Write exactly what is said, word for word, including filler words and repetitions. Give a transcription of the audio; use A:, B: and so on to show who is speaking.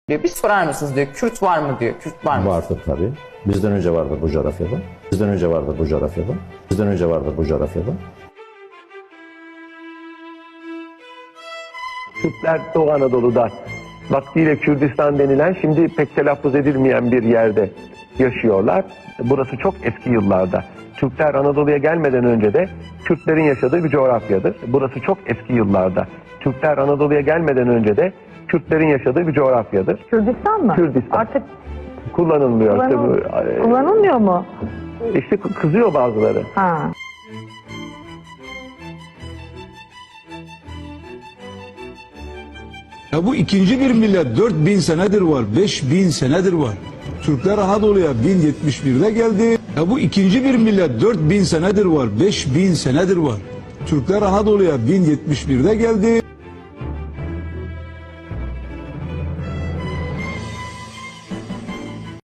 A: diyor. Bir sorar mısınız diyor. Kürt var mı diyor. Kürt var mı?
B: Vardır tabii. Bizden önce vardır bu coğrafyada. Bizden önce vardır bu coğrafyada. Bizden önce vardır bu coğrafyada.
C: Kürtler Doğu Anadolu'da vaktiyle Kürdistan denilen şimdi pek telaffuz edilmeyen bir yerde yaşıyorlar. Burası çok eski yıllarda. Türkler Anadolu'ya gelmeden önce de Kürtlerin yaşadığı bir coğrafyadır. Burası çok eski yıllarda. Türkler Anadolu'ya gelmeden önce de Kürtlerin yaşadığı bir coğrafyadır.
D: Kürdistan mı?
C: Kürdistan.
D: Artık
C: Kullanılmıyor.
D: kullanıl-
C: İşte, bu,
D: kullanılmıyor mu?
C: işte kızıyor bazıları.
D: Ha.
E: Ya bu ikinci bir millet dört bin senedir var, beş bin senedir var. Türkler Anadolu'ya bin yetmiş birde geldi. Ya bu ikinci bir millet dört bin senedir var, beş bin senedir var. Türkler Anadolu'ya bin yetmiş birde geldi.